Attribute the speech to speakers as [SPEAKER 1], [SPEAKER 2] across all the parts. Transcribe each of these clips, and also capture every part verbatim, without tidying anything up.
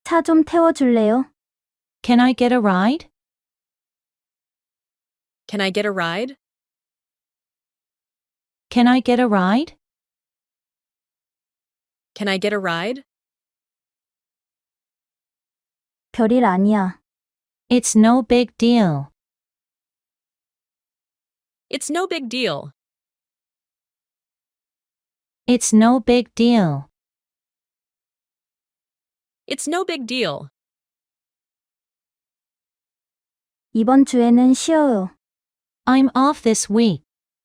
[SPEAKER 1] 차 좀 태워줄래요?
[SPEAKER 2] Can I get a ride?
[SPEAKER 3] Can I get a ride?
[SPEAKER 2] Can I get a ride?
[SPEAKER 3] Can I get a ride?
[SPEAKER 1] 별일 아니야.
[SPEAKER 2] It's no big deal.
[SPEAKER 3] It's no big deal.
[SPEAKER 2] It's no big deal.
[SPEAKER 3] It's no big deal.
[SPEAKER 1] 이번 주에는 쉬어요.
[SPEAKER 2] I'm off this week.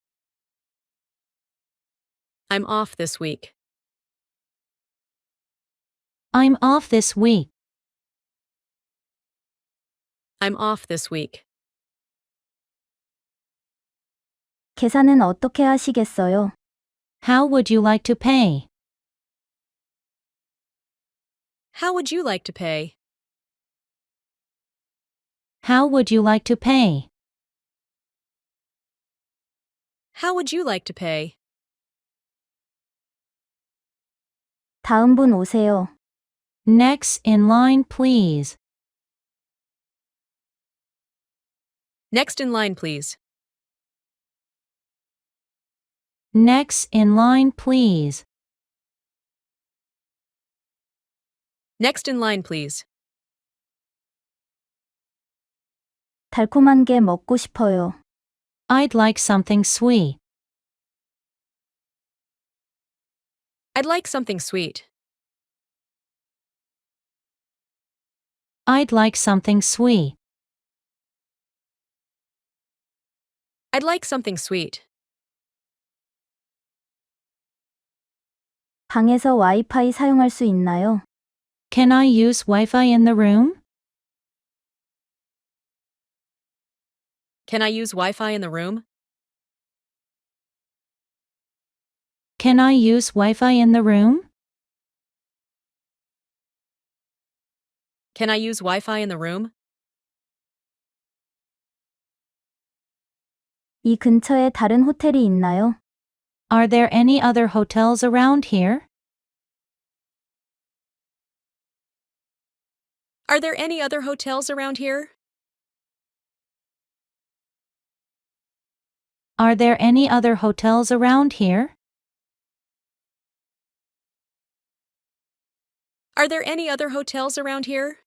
[SPEAKER 3] I'm off this week.
[SPEAKER 2] I'm off this week.
[SPEAKER 3] I'm off this week.
[SPEAKER 1] 계산은 어떻게 하시겠어요?
[SPEAKER 2] How would you like to pay?
[SPEAKER 3] How would you like to pay?
[SPEAKER 2] How would you like to pay?
[SPEAKER 3] How would you like to pay?
[SPEAKER 1] 다음 분 오세요.
[SPEAKER 2] Next in line, please.
[SPEAKER 3] Next in line, please.
[SPEAKER 2] Next in line, please.
[SPEAKER 3] Next in line, please.
[SPEAKER 1] 달콤한 게 먹고 싶어요.
[SPEAKER 2] I'd like something sweet.
[SPEAKER 3] I'd like something sweet.
[SPEAKER 2] I'd like something sweet.
[SPEAKER 3] I'd like something sweet.
[SPEAKER 1] 방에서 와이파이 사용할 수 있나요?
[SPEAKER 2] Can I use Wi-Fi in the room?
[SPEAKER 3] Can I use Wi-Fi in the room?
[SPEAKER 2] Can I use Wi-Fi in the room?
[SPEAKER 3] Can I use Wi-Fi in the room?
[SPEAKER 1] 이 근처에 다른 호텔이 있나요?
[SPEAKER 2] Are there any other hotels around here?
[SPEAKER 3] Are there any other hotels around here?
[SPEAKER 2] Are there any other hotels around here?
[SPEAKER 3] Are there any other hotels around here?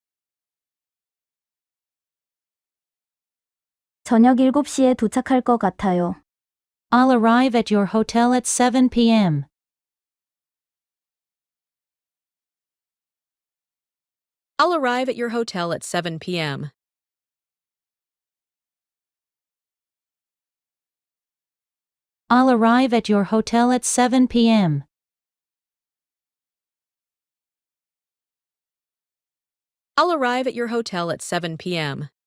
[SPEAKER 1] 저녁 일곱 시에 도착할 것 같아요.
[SPEAKER 2] I'll arrive at your hotel at seven p m
[SPEAKER 3] I'll arrive at your hotel at seven p m
[SPEAKER 2] I'll arrive at your hotel at seven p m
[SPEAKER 3] I'll arrive at your hotel at seven p m